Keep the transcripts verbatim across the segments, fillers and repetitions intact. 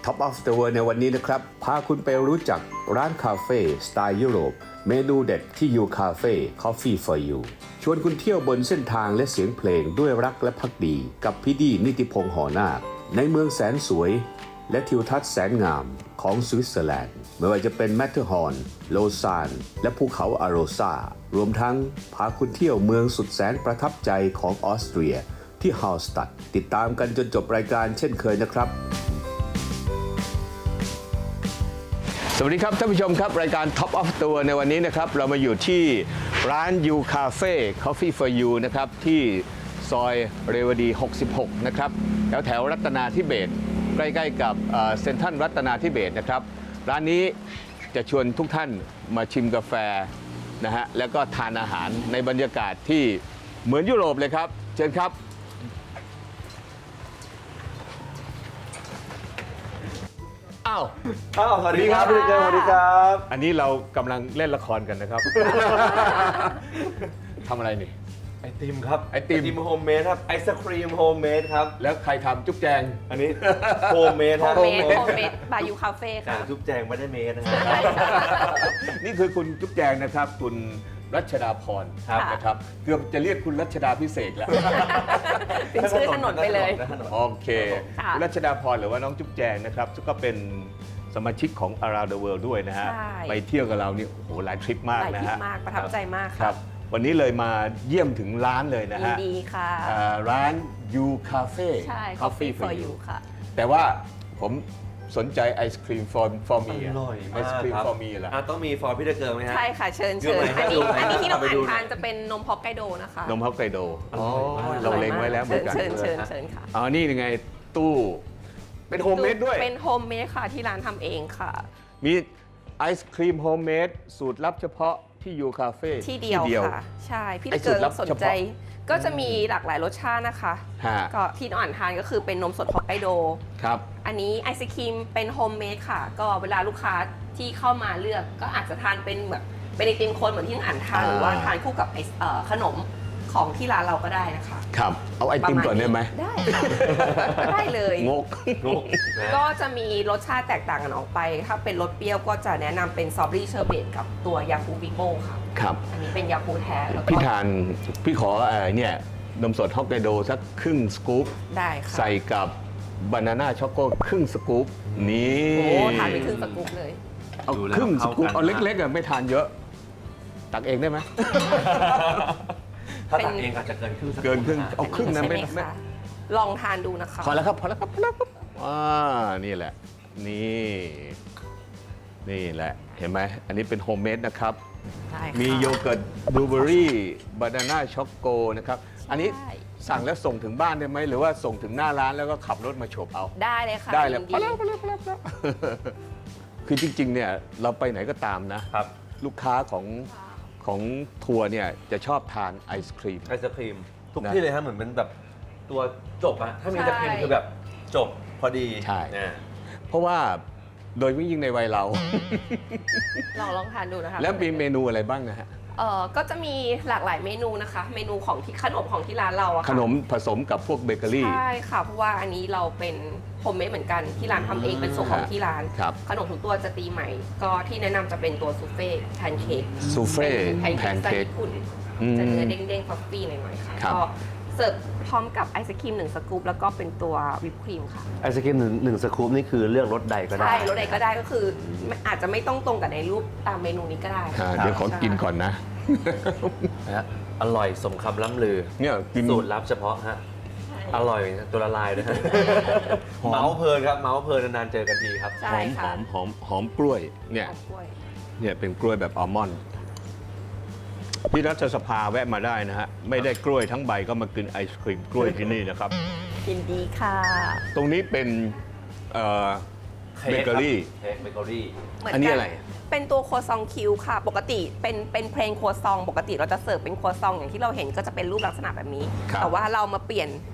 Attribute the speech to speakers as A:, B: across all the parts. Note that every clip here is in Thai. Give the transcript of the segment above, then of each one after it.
A: Top of the World ในวันนี้นะครับพาคุณไปรู้จักร้านคาเฟ่สไตล์ยุโรปเมนูเด็ดที่ You Cafe Coffee for You ชวนคุณเที่ยวบนเส้นทางและเสียงเพลงด้วยรักและภักดีกับพี่ดีนิติพงษ์หอนาคในเมืองแสนสวยและทิวทัศน์แสนงามของสวิตเซอร์แลนด์ไม่ว่าจะเป็นแมทเทอร์ฮอร์นโลซานและภูเขาอาโรซารวมทั้งพาคุณเที่ยวเมืองสุดแสนประทับใจของออสเตรียที่ฮาลสตัดติดตามกันจนจบรายการเช่นเคยนะครับสวัสดีครับท่านผู้ชมครับรายการ Top of the World ในวันนี้นะครับเรามาอยู่ที่ร้าน You Cafe Coffee for You นะครับที่ซอยเรวดีหกสิบหกนะครับแถวแถวรัตนาธิเบศรใกล้ๆกับเซ็นทรัลรัตนาธิเบศรนะครับร้านนี้จะชวนทุกท่านมาชิมกาแฟนะฮะแล้วก็ทานอาหารในบรรยากาศที่เหมือนยุโรปเลยครับเชิญครับอ้าว
B: อ้าวสวัสดีครับพี่เจสวัสดีครับ
A: อันนี้เรากำลังเล่นละครกันนะครับ ทำอะไรนี่
B: ไอติมครับ
A: ไอติม
B: โฮมเมดครับไอศครีมโฮมเมดครับ
A: แล้วใครทำจุ๊บแจง
B: อันนี้โฮมเมด
C: โฮมเมดโฮมเมดบายยูคาเฟ่ค่ะ
B: จุ๊บแจงไม่ได้เมดนะฮะ
A: นี่คือคุณจุ๊บแจงนะครับคุณรัชดาพรนะครับเกือบจะเรียกคุณรัชดาพิเศษแล้ว
C: เป็นชื่อถนนไปเลย
A: โอเคคุณรัชดาพรหรือว่าน้องจุ๊บแจงนะครับก็เป็นสมาชิกของ Around the World ด้วยนะฮะไปเที่ยวกับเรานี่โอ้โหหลายทริปมากนะฮะ
C: หลายทริปมากประทับใจมาก
A: ครับวันนี้เลยมาเยี่ยมถึงร้านเลยนะฮะ
C: ยินดีค่ะ
A: ร้าน You Cafe
C: ใช่ Coffee for You ค่ะ
A: แต่ว่าผมสนใจไอศครีม for for me
B: อร่อยมาก
A: ไอศครีม for me ล่ะ
B: ต้องมี for พี่เกิร์ลไหมฮะ
C: ใช่ค่ะเชิญเชิญอันนี้อันนี้ที่เราอ่านทานจะเป็นนมฮอกไกโดนะคะ
A: นมฮอกไกโดอ๋อเราเล็งไว้แล้วเหมือนกัน
C: เชิญเชิญเชิญค่ะ
A: อ๋อนี่ยังไงตู้เป็นโฮมเมดด้วย
C: เป็นโฮมเมดค่ะที่ร้านทำเองค่ะ
A: มีไอศครีมโฮมเมดสูตรลับเฉพาะที่ยูคาเฟ่
C: ที่เดียวค่ะใช่พี่เกิร์ลสนใจก็จะมีหลากหลายรสชาตินะคะก็ที่อ่านทานก็คือเป็นนมสดฮอกไกโด
A: ครับ
C: อันนี้ไอศครีมเป็นโฮมเมดค่ะก็เวลาลูกค้าที่เข้ามาเลือกก็อาจจะทานเป็นแบบเป็นไอติมโคนเหมือนที่อ่านทานหรือว่าทานคู่กับขนมของที่ร้านเราก็ได้นะคะ
A: ครับเอาไอติมก่อนได้ไหม
C: ได้ได้เลย
A: งกงก
C: ก็จะมีรสชาติแตกต่างกันออกไปถ้าเป็นรสเปรี้ยวก็จะแนะนำเป็นสตรอเบอรี่เชอร์เบตกับตัวยาคูบิโก้ค่ะ
A: ครับ
C: อันนี้เป็นยาคูแท้
A: พี่ทานพี่ขออะไรเนี่ยนมสดฮอกไกโดสักครึ่งสกู๊ป
C: ได้ค่ะ
A: ใส่กับบานาน่าช็อกโกครึ่งสกู๊ปนี่
C: โอ้ทานไปครึ่งสกู๊ปเลย
A: เอาครึ่งสกู๊ปเอาเล็กๆอ่ะไม่ทานเยอะตักเองได้ไหม
B: ถ้าตักเองอาจจะเกินครึ่ง
A: เกินครึ่งเอาครึ่งนะไม่ไม่
C: ลองทานดูนะคะ
A: พอแล้วครับพอแล้วครับพอแล้วครับอ่านี่แหละนี่นี่แหละเห็นไหมอันนี้เป็นโฮมเมดนะครับมีโยเกิร์ตบลูเบอร์รี่บานาน่าช็อกโกนะครับอันนี้สั่งแล้วส่งถึงบ้านได้ไหมหรือว่าส่งถึงหน้าร้านแล้วก็ขับรถมาโฉบเอา
C: ได้เลยค่ะ
A: ได้เลยพอแล้วพอแล้วพอแล้วพอแล้วคือจริงๆเนี่ยเราไปไหนก็ตามนะครับลูกค้าของของทัวร์เนี่ยจะชอบทานไอศครีม
B: ไอศครีมทุกที่เลยฮะเหมือนเป็นแบบตัวจบอะถ้ามีไอศครีมคือแบบจบพอดี
A: ใช่เพราะว่าโดยยิ่งในวัยเรา
C: ลองลองทานดูนะคะ
A: แล้วมีเมนูอะไรบ้างนะฮะ
C: เออก็จะมีหลากหลายเมนูนะคะเมนูของที่ขนมของที่ร้านเราอะค่ะ
A: ขนมผสมกับพวกเบเกอรี่
C: ใช่ค่ะเพราะว่าอันนี้เราเป็นโฮมเมดเหมือนกันที่ร้านทำเองเป็นสูตรของที่ร้านขนมทุกตัวจะตีใหม่ก็ที่แนะนำจะเป็นตัวซูเฟ่แพนเค้ก
A: ซูเฟ่
C: แพนเค้กสไตล์ญี่ปุ่นจะเนื้อเด้งๆฟอฟฟี่หน่อยๆค่ะก็เสิร์ฟพร้อมกับไอศครีมหนึ่งสกู๊ปแล้วก็เป็นตัววิปครีมค่ะ
B: ไอศครีมหนึ่งหนึ่งสกู๊ปนี่คือเลือกรสใดก็ได้
C: ใช่รสใดก็ได้ก็คืออาจจะไม่ต้องตรงกับในรูปตามเมนูนี้ก็ได้
A: เดี๋ยวขอกินก่อนนะ
B: อร่อยสมคำล่ำลือ
A: เนี่ย
B: สูตรลับเฉพาะฮะอร่อยตัวละลายนะฮะเมาส์เพลินครับเมาส์เพลินนานๆเจอกันทีครับ
A: หอมหอมหอมหอมกล้วยเนี่ยเนี่ยเป็นกล้วยแบบอัลมอนด์ที่รัฐสภาแวะมาได้นะฮะไม่ได้กล้วยทั้งใบก็มากินไอศครีมกล้วยที่นี่นะครับ
C: ยินดีค่ะ
A: ตรงนี้เป็นเบเกอรี่
B: เค้กเบเกอรี่
A: อันนี้อะไร
C: เป็นตัวครัวซองคิวค่ะปกติเป็นเป็นเพลงครัวซองปกติเราจะเสิร์ฟเป็นครัวซองอย่างที่เราเห็นก็จะเป็นรูปลักษณะแบบนี้แต่ว่าเรามาเปลี่ยน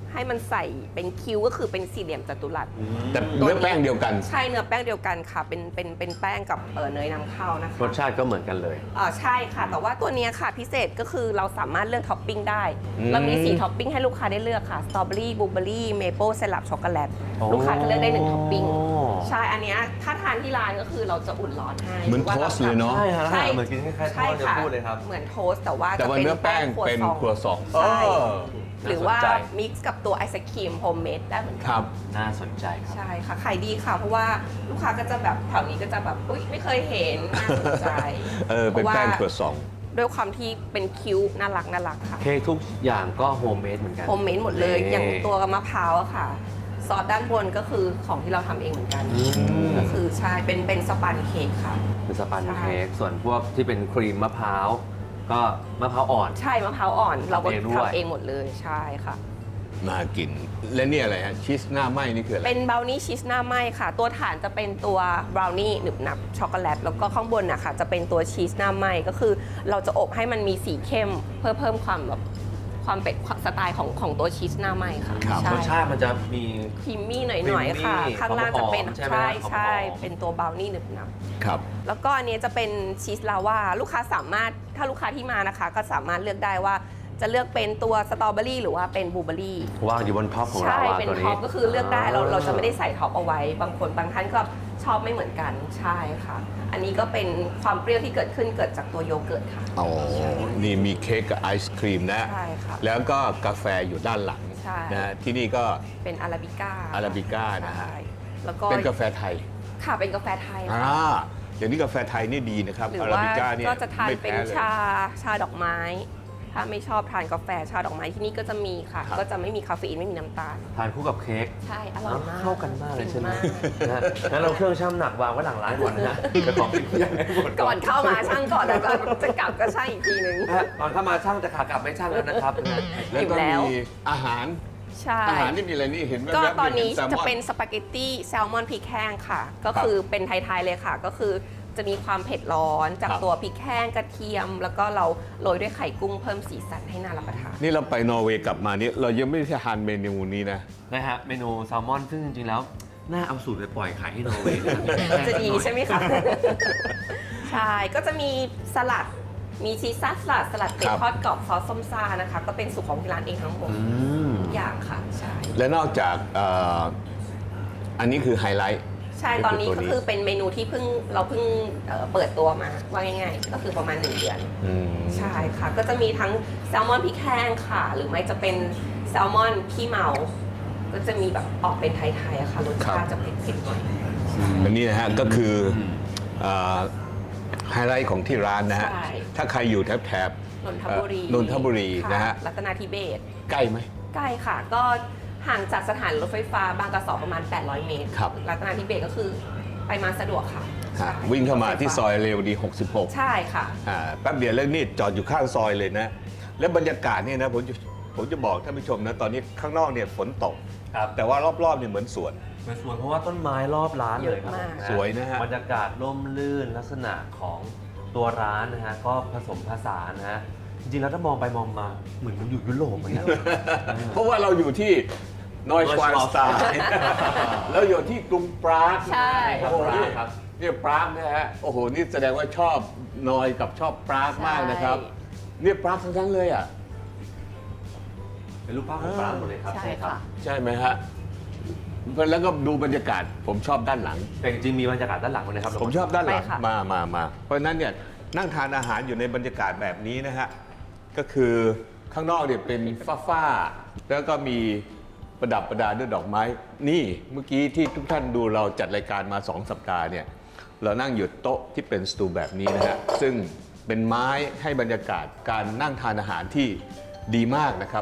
C: ให้มันใส่เป็นคิ้วก็คือเป็นสี่เหลี่ยมจัตุรัส
A: แต่เนื้อแป้งเดียวกัน
C: ใช่เนื้อแป้งเดียวกันค่ะ เป็นเป็นเป็นแป้งกับเอ่อเนยนำเข้านะคะ
B: รสชาติก็เหมือนกันเลย
C: อ่าใช่ค่ะ แต่ว่าตัวเนี้ยค่ะพิเศษก็คือเราสามารถเลือกท็อปปิ้งได้
A: อืม
C: เรามีสี่ท็อปปิ้งให้ลูกค้าได้เลือกค่ะสตรอเบอรี่บลูเบอรี่เมเปิลไซรัปช็อกโกแลต
B: อ๋อ
C: ลูกค้าจะเลือกได้หนึ่งท็อปปิ้งใช่อันเนี้ยถ้าทานที่ร้านก็คือเราจะอุ่นร้อนให้
A: เหมือน
C: ว่า
A: โท
C: รา
A: สต์เลยเนาะ
B: ใช่ฮะ
C: ใช่
B: เหมือนกินคล้ายๆท
C: ใช่
B: อดจะ
C: ค่ะ
B: พูดเลยครับ
C: เหมือนโทสต์แต่ว่า
A: แต่
C: จะ
A: ว่า
C: เป็น
A: เนื้อแป้งเป็นครัวซอง
C: ใช่
A: เออ
C: หรือว่า
B: น่าสนใจ
C: มิกซ์กับตัวไอศครีมโฮมเมดได้เหมือน
A: ค
C: กัน
A: รับ
B: น่าสนใจครับ
C: ใช่ค่ะขายดีค่ะ เพราะว่าลูกค้าก็จะแบบแถวนี้ก็จะแบบอุ๊ยไม่เคยเห็นน่าสนใจ
A: เออ เป็นแป้งครัวซอง
C: ด้วยความที่เป็นคิ้วน่ารักน่ารักค่ะ
B: เค้กทุกอย่างก็โฮมเมดเหมือนกัน
C: โฮมเมดหมดเลย
B: นี่
C: อย่างตัวมะพร้าวอะค่ะ ซอสด้านบนก็คือของที่เราทำเองเหมือนกัน
A: ม
C: ก็คือใช่เป็นเป็นสปันเค้กค่ะ
B: เป็นสปัน
C: ใช่
B: เค้กส่วนพวกที่เป็นครีมมะพร้าวก็มะพร้าวอ่อน
C: ใช่มะพร้าวอ่อน เราก็
B: ทำเองด้วย
C: ทำเองหมดเลยใช่ค่ะ
A: น่ากิน และนี่อะไรฮะ ชีสหน้าไหม้นี่คืออะไร
C: เป็นบราวนี่ชีสหน้าไหมค่ะ ตัวฐานจะเป็นตัวบราวนี่หนึบหนับช็อกโกแลตแล้วก็ข้างบนนะคะจะเป็นตัวชีสหน้าไหมก็คือ เราจะอบให้มันมีสีเข้ม เพื่อเพิ่มความแบบความเป็นสไตล์ของของตัวชีสหน้าไหมค่ะ
A: ครับ
C: ใช่
B: รสชาติมันจะมี
C: ครีมมี่หน่อยๆค่ะ
B: creamy
C: ข้างล่างจะเป็น
B: หอมๆใช่ไหม
C: ใช่
B: หอมๆ
C: ใช่เป็นตัวบราวนี่หนึบหนับ
A: ครับ
C: แล้วก็อันนี้จะเป็นชีสลาวาลูกค้าสามารถถ้าลูกค้าที่มานะคะ ก็สามารถเลือกได้ว่าจะเลือกเป็นตัวสตรอเบอรี่หรือว่าเป็นบลูเบอรี่
B: วางอยู่บนท็อปของเรา
C: ใช่
B: อะ
C: เป็น
B: ตัว
C: ท็
B: นี้
C: อปก็คือเลือกได้เราเราจะไม่ได้ใส่ท็อปเอาไว้ บางคนบางท่านก็ชอบไม่เหมือนกันใช่ค่ะ อันนี้ก็เป็นความเปรี้ยวที่เกิดขึ้นเกิดจากตัวโยเกิร์ตค่ะ
A: อ๋อ นี่มีเค้กกับไอศครีมนะ
C: ใช่ค่ะ
A: แล้วก็กาแฟอยู่ด้านหลัง
C: ใช่
A: นะที่นี่ก็
C: เป็นอาราบิก้า
A: อาราบิก้านะฮะ
C: ใช่แล้วก็
A: เป็นกาแฟไทย
C: ค่ะเป็นกาแฟไทย
A: อ่า
C: ค่ะ
A: เดี๋ยวนี้กาแฟไทยนี่ดีนะครับ
C: หรือ
A: อารา
C: ว่า
A: บิก้าเนี่ย
C: ก็จะทาน
A: ไม่
C: เป็น
A: แพ้เลย
C: ชาชาดอกไม้ ถ้าไม่ชอบทานกาแฟชาดอกไม้ที่นี่ก็จะมีค่ะ
A: ครับ
C: ก็จะไม่มีคาเฟอีนไม่มีน้ำตาล
B: ทานคู่กับเค้ก
C: ใช่อร่อยมาก
B: เข้ากันมากเลยใช่ไหม
C: ดีาก
B: นะฮะงั้นเราเครื่องชั่งหนักวางไว้หลังร้านก่อนนะฮะจะของกินอย่างให้หมด
C: ก่อนเข้ามาช่างก่อนแล้วก็จะกลับก็ช่างอีกทีนึง
B: นะฮะก่อนเข้ามาช่างจะขากลับไม่ช่างแล้วนะครับนะฮะ
A: แล้วก็
C: อิ่มแล้ว
A: มีอาหาร
C: ใช่
A: อาหารนี่มีอะไรนี่เห็นแว๊บๆ
C: ก็
A: มี
C: ตอนนี้
A: แซลม
C: จะ
A: อน
C: เป็นสปาเกตตี้แซลมอนพริกแห้งค่ะ ก็คือเป็นไทยๆเลยค่ะ ก็คือจะมีความเผ็ดร้อนจาก
A: ครับ
C: ตัวพริกแห้งกระเทียม แล้วก็เราโรยด้วยไข่กุ้งเพิ่มสีสันให้น่ารับประทาน
A: นี่เราไปนอร์เวย์กลับมานี่เรายังไม่ได้ทานเมนูนี้นะ
B: นะฮะเมนูแซลมอนซึ่งจริงๆแล้ว น่าเอาสูตรไปปล่อยขายที่นอร์เวย์นะครับ
C: จะดีใช่ไหมคะ ใช่ ก็จะมีสลัด มีชีสซัสสลัด สลัดเป็ด
A: ครับ
C: ทอดกรอบซอสส้มซ่านะคะ ก็เป็นสูตรของที่ร้านเองทั้งหมด
B: อืม
C: ทุกอย่างค่ะ ใช่
A: และนอกจากเอ่ออันนี้คือไฮไลท์
C: ใช่ ตอนนี้ก็คือเป็นเมนูที่เพิ่งเราเพิ่งเอ่อเปิดตัวมา ว่าง่ายๆ ก็คือประมาณหนึ่งเดือน
A: อืม
C: ใช่ค่ะ ก็จะมีทั้งแซลมอนพริกแห้งค่ะ หรือไม่จะเป็นแซลมอนขี้เมา ก็จะมีแบบออกเป็นไทยๆอะค่ะ รสชาติจะเผ็ดๆหน่อย
A: อันนี้นะฮะก็คือเอ่อไฮไลท์ของที่ร้านนะฮะ
C: ใช่
A: ถ้าใครอยู่แถบแถบ
C: นนทบุรี
A: เอ่อนนทบุรี
C: ค่
A: นะฮะ
C: รัตนาธิเบศร
A: ใกล้ไหม
C: ใกล้ค่ะ ก็ห่างจากสถานรถไฟฟ้าบางกระสอประมาณ แปดร้อย เมตร
A: ครับ
C: รัตนาธิเบศรก็คือไปมาสะดวกค่ะ
A: ฮะ
C: ใช่
A: วิ่งเข้ามาที่ซอยเรวดี หกสิบหก
C: ใช่ค่ะ
A: อ่าแป๊บเดียวแล้วนี่จอดอยู่ข้างซอยเลยนะ แล้วบรรยากาศเนี่ยนะผมจะผมจะบอกท่านผู้ชมนะ ตอนนี้ข้างนอกเนี่ยฝนตก
B: ครับ
A: แต่ว่ารอบๆเนี่ยเหมือนสวน
B: เป็นสวนเพราะว่าต้นไม้รอบร้านเลยครับ
C: เยอะมาก
B: ผม
A: สวยนะฮะ
B: บรรยากาศร่มรื่นลักษณะของตัวร้านนะฮะก็ผสมผสานนะฮะจริงๆแล้วถ้ามองไปมองมาเหมือนมันอยู่ยุโรปเหมือนกัน
A: เพราะว่าเราอยู่ที่นอยชวานสไตน์แล้วอยู่ที่กรุงปราก
C: ใช่
A: โอ้โหนี่
B: ครับ
A: เนี่ยปรากนะฮะโอ้โหนี่แสดงว่าชอบนอยกับชอบปรากมากนะครับเนี่ยปรากทั้งนั้นเลยอ่ะ
B: เป็นรูปภาพของร้านหมดเลยครับ
C: ใช่ค่ะ
A: ใช่ไหมฮะแล้วก็ดูบรรยากาศผมชอบด้านหลัง
B: แต่จริงๆมีบรรยากาศด้านหลังด้วยนะครับ
A: ผมชอบด้านหลัง
C: ไปค่ะ
A: มามามาเพราะฉะนั้นเนี่ยนั่งทานอาหารอยู่ในบรรยากาศแบบนี้นะฮะก็คือข้างนอกเนี่ยเป็นฟ้าๆแล้วก็มีประดับประดาด้วยดอกไม้ นี่เมื่อกี้ที่ทุกท่านดูเราจัดรายการมาสองสัปดาห์เนี่ยเรานั่งอยู่โต๊ะที่เป็นสตูแบบนี้นะฮะซึ่งเป็นไม้ให้บรรยากาศการนั่งทานอาหารที่ดีมากนะครับ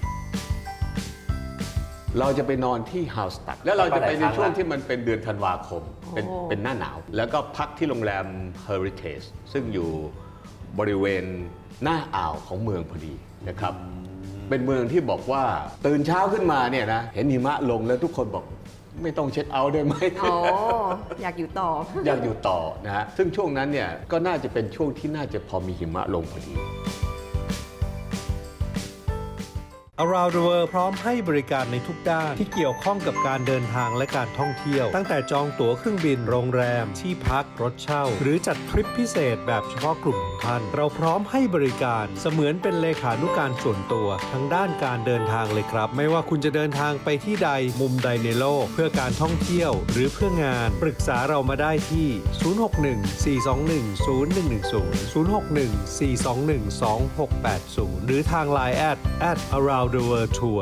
A: เราจะไปนอนที่ฮาวสตัดแล้วเราจะไปในช่วงที่มันเป็นเดือนธันวาคม เป็น
C: โอ้
A: เป็นหน้าหนาว แล้วก็พักที่โรงแรม Heritage ซึ่งอยู่บริเวณหน้าอ่าวของเมืองพอดีนะครับ เป็นเมืองที่บอกว่าตื่นเช้าขึ้นมาเนี่ยนะ เห็นหิมะลงแล้วทุกคนบอกไม่ต้องเช็ดเอาท์ได้ไหม
C: โอ้อยากอยู่ต่อ
A: อยากอยู่ต่อนะฮะ ซึ่งช่วงนั้นเนี่ยก็น่าจะเป็นช่วงที่น่าจะพอมีหิมะลงพอดี
D: Around the World พร้อมให้บริการในทุกด้านที่เกี่ยวข้องกับการเดินทางและการท่องเที่ยวตั้งแต่จองตั๋วเครื่องบินโรงแรมที่พักรถเช่าหรือจัดทริปพิเศษแบบเฉพาะกลุ่มของท่านเราพร้อมให้บริการเสมือนเป็นเลขานุการส่วนตัวทั้งด้านการเดินทางเลยครับไม่ว่าคุณจะเดินทางไปที่ใดมุมใดในโลกเพื่อการท่องเที่ยวหรือเพื่องานปรึกษาเรามาได้ที่ ศูนย์ หก หนึ่ง สี่ สอง หนึ่ง ศูนย์ หนึ่ง หนึ่ง ศูนย์ ศูนย์ หก หนึ่ง สี่ สอง หนึ่ง สอง หก แปด ศูนย์ หรือทาง ไลน์ แอท แอท around the world tour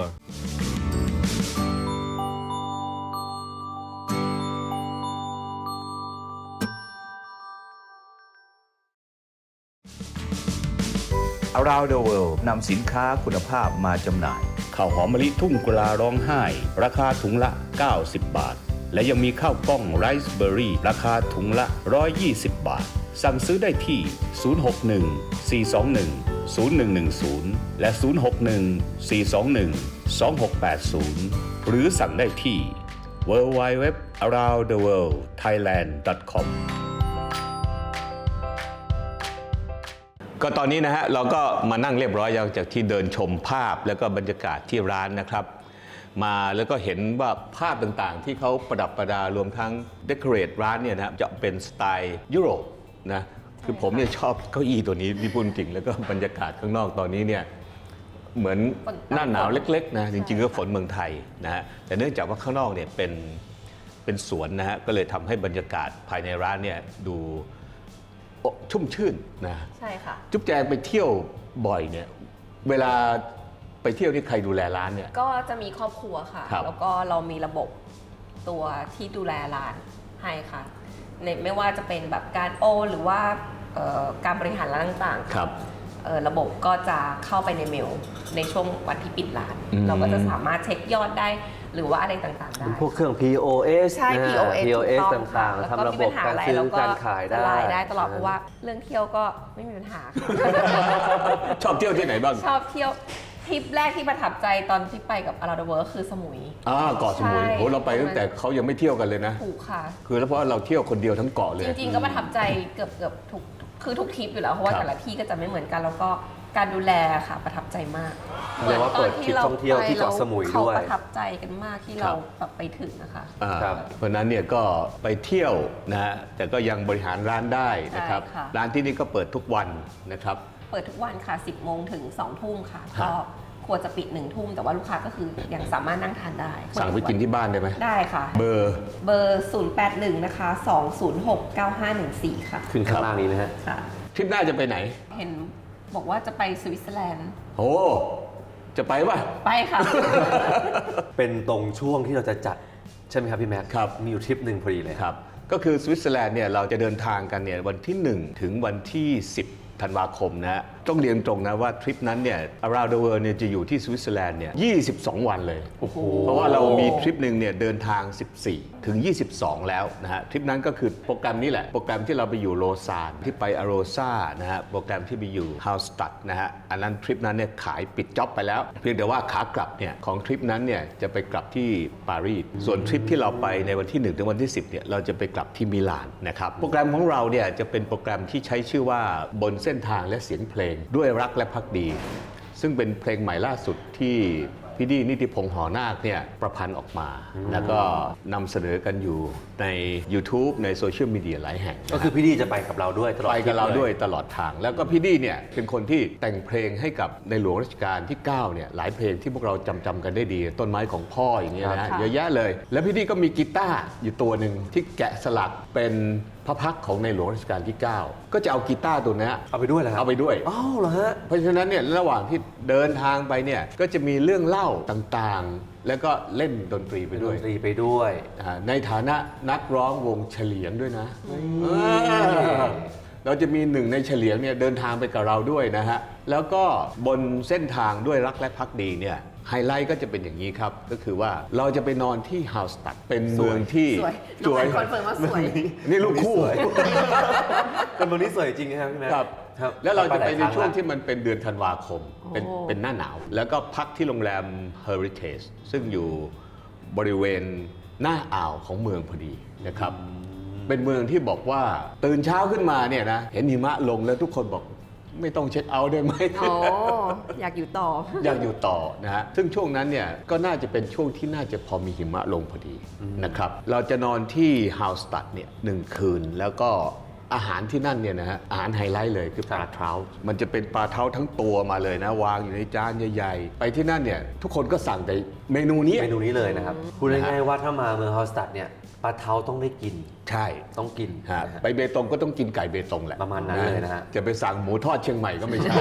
A: Around the World นำสินค้าคุณภาพมาจำหน่าย ข้าวหอมมะลิทุ่งกุลาร้องไห้ ราคาถุงละ เก้าสิบบาท และยังมีข้าวกล้องไรซ์เบอร์รี่ราคาถุงละ หนึ่งร้อยยี่สิบบาท สั่งซื้อได้ที่ ศูนย์ หก หนึ่ง สี่ สอง หนึ่ง ศูนย์ หนึ่ง หนึ่ง ศูนย์ และ ศูนย์ หก หนึ่ง สี่ สอง หนึ่ง สอง หก แปด ศูนย์ หรือสั่งได้ที่ ดับเบิลยู ดับเบิลยู ดับเบิลยู ดอท อาราวนด์ เดอะ เวิลด์ ไทยแลนด์ ดอท คอม ก็ตอนนี้นะฮะเราก็มานั่งเรียบร้อยจากที่เดินชมภาพแล้วก็บรรยากาศที่ร้านนะครับมาแล้วก็เห็นว่าภาพต่างๆที่เขาประดับประดารวมทั้งเดคอเรทร้านเนี่ยนะครับจะเป็นสไตล์ยุโรปนะคือผมเนี่ยชอบเก้าอี้ตัวนี้ที่พูดจริงแล้วก็บรรยากาศข้างนอกตอนนี้เนี่ยเหมือนหน้าหนาวเล็กๆนะจริงๆก็ฝนเมืองไทยนะฮะแต่เนื่องจากว่าข้างนอกเนี่ยเป็นเป็นสวนนะฮะก็เลยทำให้บรรยากาศภายในร้านเนี่ยดูชุ่มชื่นนะ
C: ใช่ค่ะ
A: จุ๊บแจงไปเที่ยวบ่อยเนี่ยเวลาไปเที่ยวที่ใครดูแลร้านเนี่ย
C: ก็จะมีครอบครัวค่ะแล้วก็เรามีระบบตัวที่ดูแลร้านให้ค่ะในไม่ว่าจะเป็นแบบการโอนหรือว่าการบริหารร้านต่างๆครับระบบก็จะเข้าไปในเมลในช่วงวันที่ปิดร้านเราก็จะสามารถเช็คยอดได้หรือว่าอะไรต่างๆได้
B: พวกเครื่อง พี โอ เอส
C: ใช่ พี โอ เอส
B: พี โอ เอส ต่างๆทำระบบการซื้อการขายได้
C: ได้ตลอดเพราะว่าเรื่องเที่ยวก็ไม่มีปัญหา
A: ชอบเที่ยวที่ไหนบ้าง
C: ชอบเที่ยวทริปแรกที่ประทับใจตอนที่ไปกับ Around the World คือสมุย
A: อ่าเกาะสมุยโหเราไปตั้งแต่เขายังไม่เที่ยวกันเลยนะ
C: ถูกค่ะ
A: คือแล้วเพราะเราเที่ยวคนเดียวทั้งเกาะเลย
C: จริงๆก็ประทับใจเกือบเกือบทุกคือทุกทริปอยู่แล้วเพราะว่าแต่ละที่ก็จะไม่เหมือนกันแล้วก็การดูแลค่ะประทับใจมาก
B: เหมือนตอนที่เราไปที่เกาะสมุยด้วย
C: เขาประทับใจกันมากที่เราแบบไปถึงนะคะ
A: เพราะนั้นเนี่ยก็ไปเที่ยวนะฮะแต่ก็ยังบริหารร้านได้นะครับร้านที่นี่ก็เปิดทุกวันนะครับ
C: เปิดทุกวันค่ะสิบโมงถึงสองทุ่มค่ะก็ควรจะปิดหนึ่งทุ่มแต่ว่าลูกค้าก็คือยังสามารถนั่งทานได้
A: สั่งไปกินที่บ้านได้ไหม
C: ได้ค่ะ
A: เบอร์
C: เบอร์ศูนย์ แปด หนึ่งนะคะสอง ศูนย์ หก เก้า ห้า หนึ่ง สี่ค่ะ
B: ขึ้นข้างล่างนี้นะฮะ
C: ค่ะ
A: ทริปหน้าจะไปไหน
C: เห็นบอกว่าจะไปสวิตเซอร์แลนด์
A: โอ้จะไปป่ะ
C: ไปค่ะ
B: เป็นตรงช่วงที่เราจะจัดใช่ไหมครับพี่แม็ก
A: ครับ
B: มีอยู่ทริปหนึ่งพอดีเลย
A: ครับก็คือสวิตเซอร์แลนด์เนี่ยเราจะเดินทางกันเนี่ยวันที่หนึ่งถึงวันที่สิบธันวาคมนะฮะต้องเรียนตรงนะว่าทริปนั้นเนี่ย Around the World เนี่ยจะอยู่ที่สวิตเซอร์แลนด์เนี่ยยี่สิบสองวันเลยเพราะว่าเรามีทริปหนึ่งเนี่ยเดินทางสิบสี่ถึงยี่สิบสองแล้วนะฮะทริปนั้นก็คือโปรแกรมนี้แหละโปรแกรมที่เราไปอยู่โลซานที่ไปอโรซานะฮะโปรแกรมที่ไปอยู่ฮาวสตัดนะฮะอันนั้นทริปนั้นเนี่ยขายปิดจ็อบไปแล้วเพียงแต่ว่าขากลับเนี่ยของทริปนั้นเนี่ยจะไปกลับที่ปารีสส่วนทริปที่เราไปในวันที่หนึ่งถึงวันที่สิบเนี่ยเราจะไปกลับที่มิลานนะครับโปรแกรมของเราเนี่ยจะเป็นโปรแกรมที่ใช้ชื่อว่าบนเส้นทางและเสียงเพลงด้วยรักและภักดีซึ่งเป็นเพลงใหม่ล่าสุดที่พี่ดีนิติพงษ์หอนาคเนี่ยประพันธ์ออกมาแล้วก็นำเสนอกันอยู่ใน YouTube ในโซเชียลมีเดียหลายแห่ง
B: ก็คือพี่ดีจะไปกับเราด้วยตลอด
A: ไปกับเราด้วยตลอดทางแล้วก็พี่ดีเนี่ยเป็นคนที่แต่งเพลงให้กับในหลวงรัชกาลที่เก้าเนี่ยหลายเพลงที่พวกเราจำจำกันได้ดีต้นไม้ของพ่ออย่างเงี้ยนะเยอะแยะเลยแล้วพี่ดีก็มีกีตาร์อยู่ตัวหนึ่งที่แกะสลักเป็นพระพักตร์ของในหลวงรัชกาลที่เก้าก็จะเอากีตาร์ตัวนี้
B: เอาไปด้วยเหรอ
A: เอาไปด้วย
B: อ้าวเหรอฮะ
A: เพราะฉะนั้นเนี่ยระหว่างที่เดินทางไปเนี่ยก็จะมีเรื่องเล่าต่างๆแล้วก็เล่นดนตรีไปด้วย
B: ดนตรีไปด้วย
A: ในฐานะนักร้องวงเฉลียงด้วยนะเราจะมีหนึ่งในเฉลียงเนี่ยเดินทางไปกับเราด้วยนะฮะแล้วก็บนเส้นทางด้วยรักและภักดีเนี่ยไฮไลท์ก็จะเป็นอย่างนี้ครับก็คือว่าเราจะไปนอนที่ฮาวสตัดเป็นเมืองที่
C: สวยคอนเฟิร์มว่าสวย
A: นี่ลูกคู่
B: เป็นเมืองที่สวยจริงครับพี่แม่
A: ครับแล้วเราจะไปในช่วงที่มันเป็นเดือนธันวาคมเป็นเป็นหน้าหนาวแล้วก็พักที่โรงแรม Heritage ซึ่งอยู่บริเวณหน้าอ่าวของเมืองพอดีนะครับเป็นเมืองที่บอกว่าตื่นเช้าขึ้นมาเนี่ยนะเห็นหิมะลงแล้วทุกคนบอกไม่ต้องเช็คเอาท์ได้ไหม
C: อ๋อ อยากอยู่ต่อ
A: อยากอยู่ต่อนะฮะ ซึ่งช่วงนั้นเนี่ยก็น่าจะเป็นช่วงที่น่าจะพอมีหิมะลงพอดีนะครับ เราจะนอนที่ฮาวสตัดเนี่ยหนึ่งคืน แล้วก็อาหารที่นั่นเนี่ยนะฮะ อาหารไฮไลท์เลยคือปลาเท้า มันจะเป็นปลาเท้าทั้งตัวมาเลยนะ วางอยู่ในจานใหญ่ๆ ไปที่นั่นเนี่ยทุกคนก็สั่งแต่เมนูนี้
B: เมนูนี้เลยนะครับพูดง่ายๆว่าถ้ามาเมืองฮอลสตัดเนี่ยปลาเท้าต้องได้กิน
A: ใช่
B: ต้องกิน
A: ฮะ
B: นะฮะ
A: ไปเบตงก็ต้องกินไก่เบตงแหละ
B: ประมาณนั้นเลยนะฮะ
A: จะไปสั่งหมูทอดเชียงใหม่ก็ไม่ใช่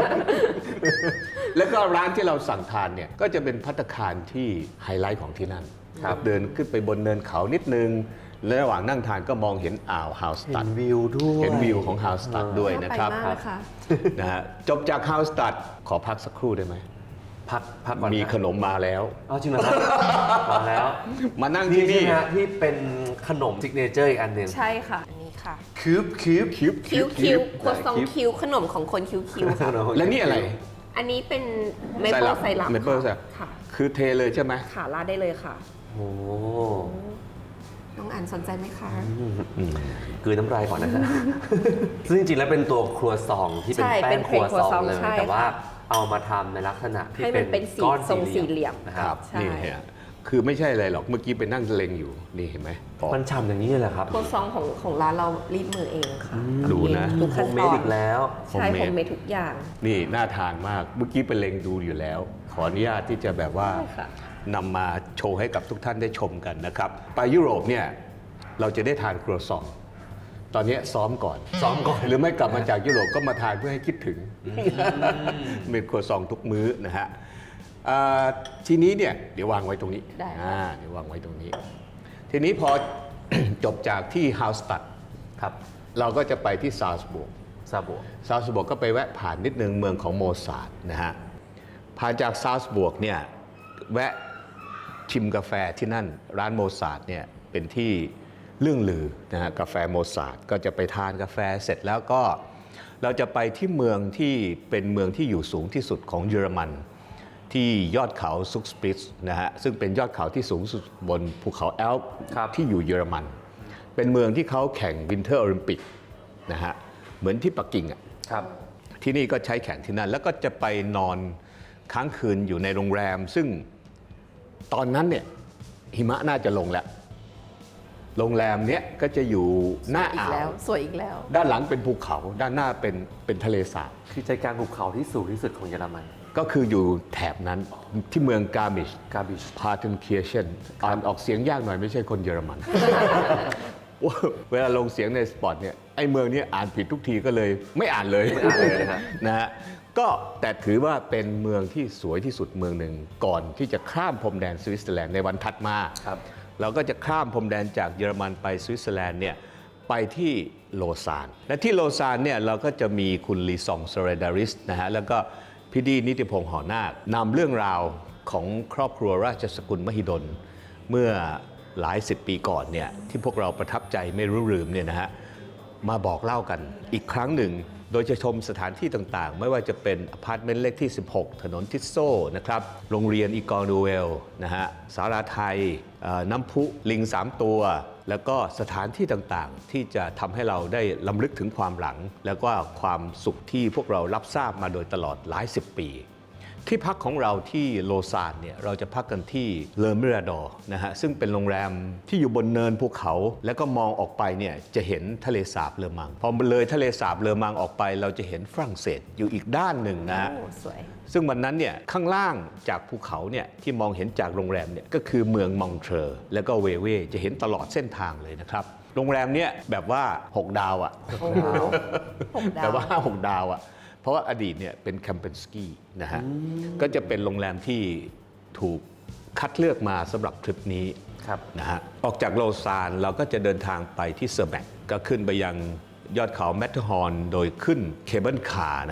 A: แล้วก็ร้านที่เราสั่งทานเนี่ยก็จะเป็นภัตตาคารที่ไฮไลท์ของที่นั่น
B: ครับ
A: เดินขึ้นไปบนเนินเขานิดนึง และระหว่างนั่งทานก็มองเห็นอ่าวฮาวสตั
B: เห็
A: ด
B: นวิวด้วย
A: เห็นวิวของฮาวสตัดด้วยนะครับ
C: ไปมากนะคะ
A: นะฮะจบจากฮาวสตัดขอพักสักครู่ได้ไหม
B: พักพักก่อนนะ
A: มีขนมมาแล้ว
B: เอาจริงเหรอครับ มาแล้ว
A: มานั่ง
B: นี่
A: ที่
B: ใช่
A: นี่
B: ไหมฮะที่เป็นขนมซิกเนเจอร์อีกอันหนึ่ง
C: ใช่ค่ะ อันนี้ค่ะ
B: คิวบคิวบ
A: คิว
C: คิ้วคิ้วครัวซอง
B: คิ้ว
C: คิ้วขนมของคนคิ้วคิ้วค่ะ
A: และนี่อะไร
C: อันนี้เป็นเม
A: ไซ
C: เปิ
A: รั
C: ล
A: ป
C: ไซรัป
A: เมเปิลไซรัป
C: ค่ะ
A: คือเทเลยใช่ไหม
C: ค่ะราดได้เลยค่ะ
B: โอ้
C: น้องอันสนใจไหมคะ
B: กลืนน้ำลายก่อนนะฮะ ซึ่งจริงๆแล้วเป็นตัวครัวซองที่เป็น
C: ใช่
B: แป้
C: เป็
B: ง
C: น
B: ครัวซอง
C: ครัวซอง
B: เลย
C: ใช่
B: แต่ว่า
C: ค่ะ
B: เอามาทำในลักษณะที่
C: ให้มันเป็นสี
B: ก้อน
C: ทรงสี่เหลี่ยม
B: นะ
A: ค
B: ค
A: รั
B: รั
A: บบ
C: ใช่
A: นี่ฮะคือไม่ใช่อะไรหรอกเมื่อกี้ไปนั่งเล็งอยู่นี่เห็นไหมอ๋อ
B: มันฉ่ำอย่างนี้เลยเหรอครับ
C: ครัวซองของของร้านเรารีดมือเองค่ะ
A: ดูนะ
C: ทุก
B: โฮ
C: ขั้น
B: มเม
C: ต
B: ด
C: อน
B: อีกแล้ว
C: ใช่
A: homemade
C: โฮมเมดทุกอย่าง
A: นี่น่าทานมาก เมื่อกี้ไปเล็งดูอยู่แล้ว ขออนุญาตที่จะแบบว่า
C: ใช่ค่ะ
A: นำมาโชว์ให้กับทุกท่านได้ชมกันนะครับ ไปยุโรปเนี่ยเราจะได้ทานครัวซอง ตอนนี้ซ้อมก่อน
B: ซ้อมก่อน
A: หรือไม่กลับมาจากยุโรปก็มาทานเพื่อให้คิดถึงเป็นครัวซองทุกมื้อนะฮะอ่าทีนี้เนี่ยเดี๋ยววางไว้ตรงนี้
C: ได้ค่ะ
A: อ่าเดี๋ยววางไว้ตรงนี้ ทีนี้พอ จบจากที่ฮาวสตัด
B: ครับ
A: เราก็จะไปที่ซาลซบุก
B: ซาบัว
A: ซาลซบวร์กก็ไปแวะผ่านนิดนึงเมืองของโมซาร์ทนะฮะผ่านจากซาลซบวร์กเนี่ยแวะชิมกาแฟที่นั่นร้านโมซาร์ทเนี่ยเป็นที่เรื่องลือนะฮะกาแฟโมซาร์ทก็จะไปทานกาแฟเสร็จแล้วก็เราจะไปที่เมืองที่เป็นเมืองที่อยู่สูงที่สุดของเยอรมัน ที่ยอดเขาซุกสปริตซ์นะฮะซึ่งเป็นยอดเขาที่สูงสุดบนภูเขาแอลป์
B: ครับ
A: ที่อยู่เยอรมัน เป็นเมืองที่เขาแข่งวินเทอร์โอลิมปิกนะฮะเหมือนที่ปักกิ่งอ่ะ
B: ครับ
A: ที่นี่ก็ใช้แข่งที่นั่น แล้วก็จะไปนอนค้างคืนอยู่ในโรงแรม ซึ่งตอนนั้นเนี่ยหิมะน่าจะลงแล้ว โรงแรมเนี้ยก็จะอยู่หน้า
C: อีก
A: อ่า
C: แล้ว
A: ว
C: สวยอีกแล้ว
A: ด้านหลังเป็นภูเขา ด้านหน้าเป็นเป็นทะเลสาบ
B: คือใจกลางภูเขาที่สูงที่สุดของเยอรมัน
A: ก็คืออยู่แถบนั้นที่เมืองกามิช
B: กาบิช
A: พา t นเคียเชนอ่านออกเสียงยากหน่อยไม่ใช่คนเยอรมัน เวลาลงเสียงในสปอตเนี่ยไอ้เมืองนี้อ่านผิดทุกทีก็เลยไม่อ่านเลย
B: ไม่อ่านเลยนะฮะ
A: นะฮะก็แต่ถือว่าเป็นเมืองที่สวยที่สุดเมืองหนึ่งก่อนที่จะข้ามพรมแดนสวิตเซอร์แลนด์ในวันถัดมา
B: ครับ
A: เราก็จะข้ามพรมแดนจากเยอรมันไปสวิตเซอร์แลนด์เนี่ยไปที่โลซาน และที่โลซานเนี่ยเราก็จะมีคุณลีซองโซเรดาริสนะฮะแล้วก็พี่ดีนิติพงษ์หอนาคนำเรื่องราวของครอบครัวราชสกุลมหิดล เมื่อหลายสิบปีก่อนเนี่ยที่พวกเราประทับใจไม่รู้ลืมเนี่ยนะฮะมาบอกเล่ากันอีกครั้งหนึ่ง โดยจะชมสถานที่ต่างๆ ไม่ว่าจะเป็นอพาร์ตเมนต์เลขที่ สิบหก ถนนทิสโซนะครับโรงเรียนอีกอร์นูเวลนะฮะสาราไทยเอ่อน้ำพุลิงสามตัว แล้วก็สถานที่ต่างๆ ที่จะทำให้เราได้ล้ำลึกถึงความหลัง แล้วก็ความสุขที่พวกเรารับทราบมาโดยตลอดหลายสิบปี ที่พักของเราที่โลซานเนี่ยเราจะพักกันที่เลอมิราดอร์นะฮะซึ่งเป็นโรงแรมที่อยู่บนเนินภูเขา แล้วก็มองออกไปเนี่ยจะเห็นทะเลสาบเลอมังพอเลยทะเลสาบเลอมังออกไป เราจะเห็นฝรั่งเศสอยู่อีกด้านหนึ่งนะฮะ
C: โอ้ สวย
A: ซึ่งวันนั้นเนี่ยข้างล่างจากภูเขาเนี่ยที่มองเห็นจากโรงแรมเนี่ยก็คือเมืองมองเทรอร์แล้วก็เวเวจะเห็นตลอดเส้นทางเลยนะครับโรงแรมเนี่ยแบบว่าหกดาวอ่ะ
C: โอ้โหหกดาว
A: แต่ว่าห้าหกดาวอ่ะ เพราะว่าอดีตเนี่ยเป็นแคมเปญสกีนะฮะ ก็จะเป็นโรงแรมที่ถูกคัดเลือกมาสำหรับทริปนี้
B: ครับ
A: นะฮะ ออกจากโลซานเราก็จะเดินทางไปที่เซอร์แบกก็ขึ้นไปยังยอดเขาแมทเทอร์ฮอร์นโดยขึ้นเคเบิลคาร์นะฮะ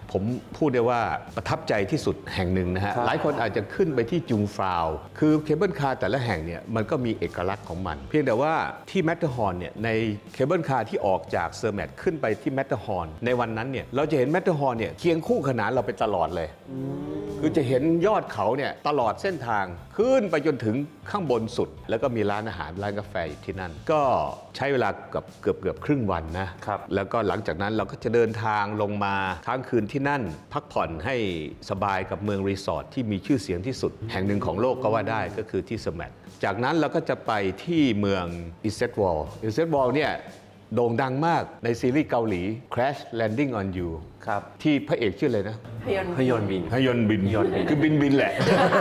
A: ผมพูดได้ว่าประทับใจที่สุดแห่งหนึ่งนะฮะ
B: ครับ
A: หลายคนอาจจะขึ้นไปที่จุงฟราว คือเคเบิลคาร์แต่ละแห่งเนี่ยมันก็มีเอกลักษณ์ของมัน เพียงแต่ว่าที่แมตเตอร์ฮอร์นเนี่ยในเคเบิลคาร์ที่ออกจากเซอร์แมทขึ้นไปที่แมตเตอร์ฮอร์นในวันนั้นเนี่ยเราจะเห็นแมตเตอร์ฮอร์นเนี่ยเคียงคู่ขนานเราไปตลอดเลย คือจะเห็นยอดเขาเนี่ยตลอดเส้นทางขึ้นไปจนถึงข้างบนสุด แล้วก็มีร้านอาหารร้านกาแฟอยู่ที่นั่น ก็ใช้เวลากับเกือบเกือบครึ่งวันนะครับ แล้วก็หลังจากนั้นเราก็จะเดินทางลงมาค้างคืนที่นั่น พักผ่อนให้สบายกับเมืองรีสอร์ทที่มีชื่อเสียงที่สุด แห่งหนึ่งของโลกก็ว่าได้ก็คือที่สแมทจากนั้นเราก็จะไปที่เมืองอิสเซตวอลอิสเซตวอลเนี่ยโด่งดังมากในซีรีส์เกาหลี Crash Landing on You
B: ครับ
A: ที่พระเอกชื่ออะไรนะ
C: พยนต์
B: พยนต์บิน
A: ฮยอนบิน
B: ฮยอนบิน
A: คือบินบินแหละ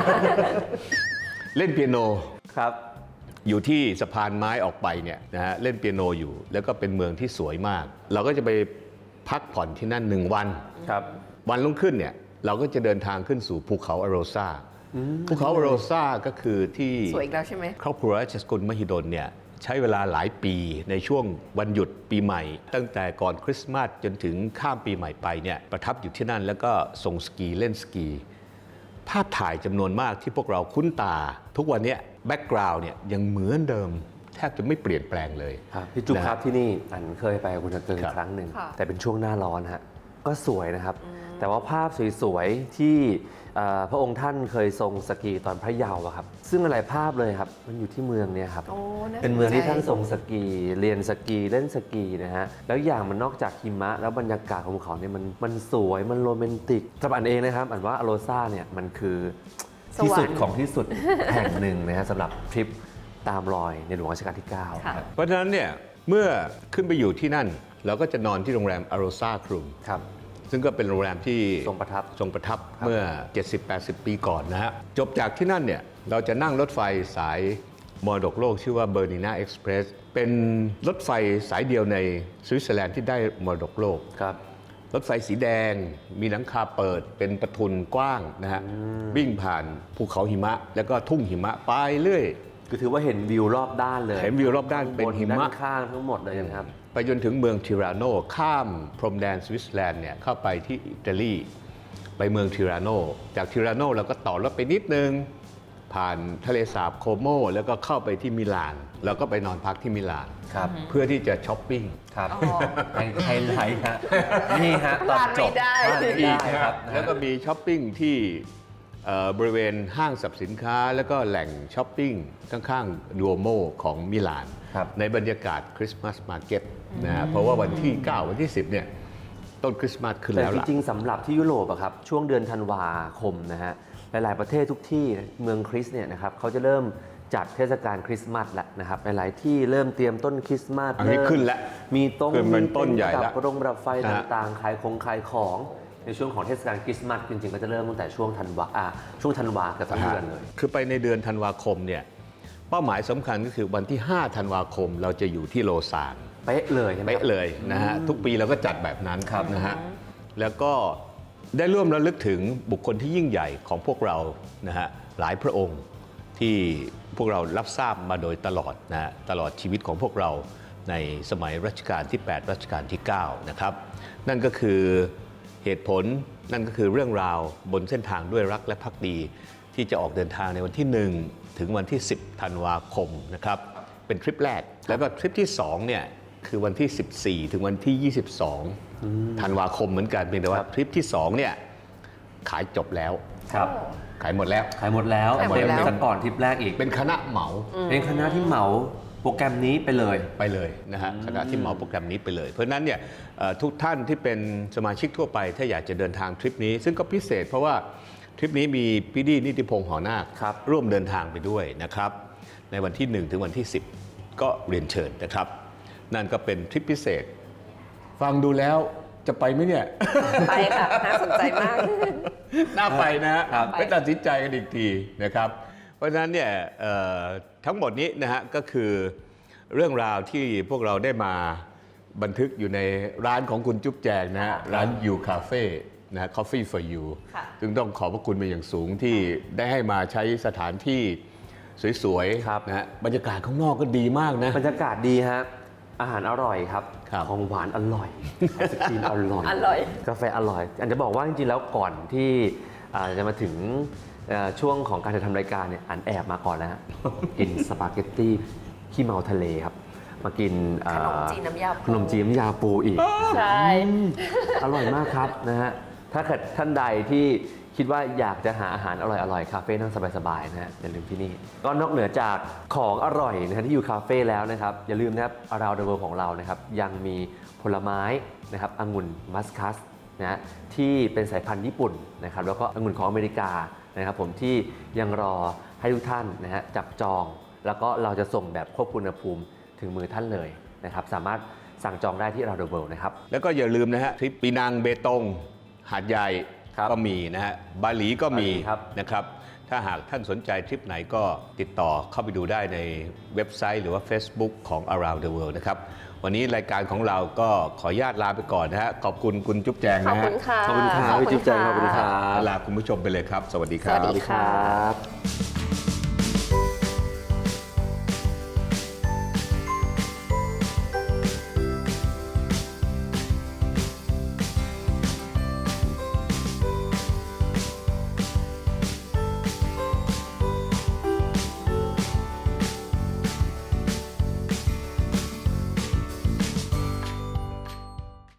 A: เล่นเปียโน
B: ครับ
A: อยู่ที่สะพานไม้ออกไปเนี่ยนะฮะเล่นเปียโนอยู่ แล้วก็เป็นเมืองที่สวยมาก เราก็จะไปพักผ่อนที่นั่นหนึ่งวัน
B: ครับ
A: วันรุ่งขึ้นเนี่ยเราก็จะเดินทางขึ้นสู่ภูเขาอโรซาภูเขาอโรซาก็คือที่
C: สวยอีกแล้วใช่ไหม
A: ครอบครัวราชสกุลมหิดลเนี่ยใช้เวลาหลายปีในช่วงวันหยุดปีใหม่ ตั้งแต่ก่อนคริสต์มาสจนถึงข้ามปีใหม่ไปเนี่ยประทับอยู่ที่นั่นแล้วก็ส่งสกีเล่นสกี ภาพถ่ายจำนวนมากที่พวกเราคุ้นตา ทุกวันเนี้แบ็กกราวน์เนี่ยยังเหมือนเดิม แทบจะไม่เปลี่ยนแปลงเลย
B: ครับพี่จุ๊บ
A: นะ
B: ครับที่นี่อันเคยไปกับคุณเกิง
A: ครับ
B: ครั้งหนึ่ง
C: ค่ะ
B: แต่เป็นช่วงหน้าร้อนฮะก็สวยนะครับ แต่ว่าภาพสวยๆที่เอ่อพระองค์ท่านเคยทรงสกีตอนพระเยาว์อะครับซึ่งหลายภาพเลยครับมันอยู่ที่เมืองเนี่ยครับ
C: โอ้าส
B: เป็นเมืองที่ท่าน
C: ใจ
B: ทรงสกี เรียนสกีเล่นสกีนะฮะแล้วอย่างมันนอกจากหิมะแล้วบรรยากาศของภูเขาเนี่ยมันมันสวยมันโรแมนติกสำหรับอันเองนะครับอันว่าอโรซาเนี่ยมันคือที่สุดของที่สุด แห่งหนึ่งนะฮะสำหรับทริปตามรอยในหลวงรัชกาลที่เก้า
C: ค่ะ
B: ครับ
A: เพราะฉะนั้นเนี่ยเมื่อขึ้นไปอยู่ที่นั่น เราก็จะนอนที่โรงแรมอโรซาครูม
B: ครับ
A: ซึ่งก็เป็นโรงแรมที่
B: ทรงประทับ
A: ทรงประทับเมื่อ เจ็ดสิบแปดสิบ ปีก่อนนะฮะ จบจากที่นั่นเนี่ย เราจะนั่งรถไฟสายมรดกโลกชื่อว่าเบอร์นินาเอ็กซ์เพรสเป็นรถไฟสายเดียวในสวิตเซอร์แลนด์ที่ได้มรดกโลก
B: ครับ
A: รถไฟสีแดงมีหลังคาเปิดเป็นประทุนกว้างนะฮะ วิ่งผ่านภูเขาหิมะ แล้วก็ทุ่งหิมะไปเรื่อย
B: คือถือว่าเห็นวิวรอบด้านเลย
A: เห็นวิวรอบด้านเป็นหิมะ
B: ด้านข้างทั้งหมดเลยนะครับ
A: ไปจนถึงเมืองทิราโนข้ามพรมแดนสวิตเซอร์แลนด์เนี่ยเข้าไปที่อิตาลีไปเมืองทิราโนจากทิราโนเราก็ต่อรถไปนิดนึง ผ่านทะเลสาบโคโมแล้วก็เข้าไปที่มิลาน แล้วก็ไปนอนพักที่มิลาน
B: ครับ
A: เพื่อที่จะช้อปปิ้ง
B: ครับ
C: อ๋อ
B: ไฮไฮไลท์ฮะนี่ฮะตอนจบ
C: พลาดไม่ได้
B: พลาดไม่
A: อี
B: ได้
A: กนะ
B: ค
A: ค
B: รั
A: รั
B: บบ
A: แล้วก็มีช้อปปิ้งที่เอ่อบริเวณห้างสรรพสินค้า แล้วก็แหล่งช้อปปิ้งข้างๆดูโอโมของมิลาน
B: ครับ
A: ในบรรยากาศคริสต์มาสมาร์เก็ตนะฮะเพราะว่าวันที่ เก้า วันที่ สิบเนี่ยต้นคริสต์มาสขึ้น
B: แต่
A: แล้ว
B: จ
A: ล่ะ
B: ริงๆสำหรับที่ยุโรปอะครับช่วงเดือนธันวาคมนะฮะหลายๆประเทศทุกที่เมืองคริสต์เนี่ยนะครับเขาจะเริ่มจัดเทศกาลคริสต์มาสแล้วนะครับหลายๆที่เริ่มเตรียมต้นคริสต์มาส
A: อันนี้
B: เริ่ม
A: ขึ้นแล้ว
B: มีต้น
A: ขึ้นเป็นต้นใหญ่
B: ดั
A: แล้ว
B: บประดงประดับไฟ
A: นะฮะ
B: ต่างๆขายของขายของในช่วงของเทศกาลคริสต์มาสจริงๆก็จะเริ่มตั้งแต่ช่วงธันวาอ่าช่วงธันวาเกับทั้งเดือนเลย
A: คือไปในเดือนธันวาคมเนี่ยเป้าหมายสำคัญก็คือวันที่ ห้า ธันวาคมเราจะอยู่ที่โลซาน
B: เป๊ะเลยใช่ไหม
A: เป๊ะเลยนะฮะทุกปีเราก็จัดแบบนั้น
B: ครับ
A: นะฮะแล้วก็ได้ร่วมระลึกถึงบุคคลที่ยิ่งใหญ่ของพวกเรานะฮะหลายพระองค์ที่พวกเรารับทราบมาโดยตลอดนะฮะตลอดชีวิตของพวกเราในสมัยรัชกาลที่ แปด รัชกาลที่ เก้า นะครับนั่นก็คือเหตุผลนั่นก็คือเรื่องราวบนเส้นทางด้วยรักและภักดี ที่จะออกเดินทางในวันที่ หนึ่ง ถึงวันที่ สิบ ธันวาคมนะครับเป็นทริปแรกแล้วก็ทริปที่สองเนี่ยคือวันที่ สิบสี่ ถึงวันที่ ยี่สิบสอง ธันวาคมเหมือนกันเพียงแต่ว่าทริปที่สองเนี่ยขายจบแล้ว
B: ครับ
A: ขายหมดแล้ว
B: ขายหมดแล้ว
C: ขายหมดแล้ว
B: เต็มซะก่อนทริปแรกอีก
A: เป็นคณะเหมา
B: เป็นคณะที่เหมาโปรแกรมนี้ไปเลย
A: ไปเลยนะฮะคณะที่เหมาโปรแกรมนี้ไปเลย เพราะฉะนั้นเนี่ยเอ่อทุกท่านที่เป็นสมาชิกทั่วไปถ้าอยากจะเดินทางทริปนี้ ซึ่งก็พิเศษเพราะว่าทริปนี้มีพี่ดีนิติพงษ์หอนาค
B: ครับ
A: ร่วมเดินทางไปด้วยนะครับในวันที่ หนึ่ง ถึงวันที่ สิบ ก็เรียนเชิญนะครับ นั่นก็เป็นทริปพิเศษ ฟังดูแล้วจะไปไหมเนี่ย
C: ไปค่ะ น่าสนใจมาก
A: น่าไปนะฮะ
B: ครับ
A: ไปตัดสินใจกันอีกทีนะครับ เพราะฉะนั้นเนี่ยเอ่อทั้งหมดนี้นะฮะก็คือเรื่องราวที่พวกเราได้มาบันทึกอยู่ในร้านของคุณจุ๊บแจงนะฮะร้านยูคาเฟ่นะฮะ Coffee for You
C: ค่ะ
A: ซึ่งต้องขอบพระคุณเป็นอย่างสูงที่ได้ให้มาใช้สถานที่สวย
B: ครับ
A: ๆนะฮะบรรยากาศข้างนอกก็ดีมากนะ
B: บรรยากาศดีฮะอาหารอร่อยครับ
A: ครับ
B: ของหวานอร่อยไอศครีมอร่อย
C: อร่อย
B: กาแฟอร่อยอันจะบอกว่าจริงๆแล้วก่อนที่อ่าจะมาถึงเอ่อช่วงของการจะทำรายการเนี่ยอันแอบมาก่อนแล้วฮะ กินสปาเกตตี้ขี้เมาทะเลครับ มากินอ่า
C: ขนมจีนน้ำยาปู
B: ขนมจีนน้ำยาปูอีก
C: ใช่
B: อร่อยมากครับนะฮะ ถ้าเกิดท่านใดที่คิดว่าอยากจะหาอาหารอร่อยๆ คาเฟ่นั่งสบายๆนะฮะอย่าลืมที่นี่ ก็นอกเหนือจากของอร่อยนะฮะที่อยู่คาเฟ่แล้วนะครับ อย่าลืมนะครับ Around the World ของเรานะครับยังมีผลไม้นะครับองุ่นมัสคัสนะฮะที่เป็นสายพันธุ์ญี่ปุ่นนะครับแล้วก็องุ่นของอเมริกานะครับผมที่ยังรอให้ทุกท่านนะฮะจับจอง แล้วก็เราจะส่งแบบควบคุมอุณหภูมิถึงมือท่านเลยนะครับสามารถสั่งจองได้ที่ Around the World นะครับ
A: แล้วก็อย่าลืมนะฮะทริปปีนังเบตง หาดใหญ่
B: ครับ
A: ก็มีนะฮะบาหลีก็มี
B: บาหลีครับ
A: นะครับ ถ้าหากท่านสนใจทริปไหนก็ติดต่อเข้าไปดูได้ในเว็บไซต์หรือว่า Facebook ของ Around the World นะครับ วันนี้รายการของเราก็ขออนุญาตลาไปก่อนนะฮะ ขอบคุณคุณจุ๊บแจง
C: ขอบ
A: นะฮะ
C: คุณค่ะ
B: ขอบคุณครับพี่จุ๊บแจงขอบคุณครับ
A: ลาคุณผู้ชมไปเลยครับ สวัสดีค
C: ส
A: รับ
C: วัสดีค่ะ
B: ครับ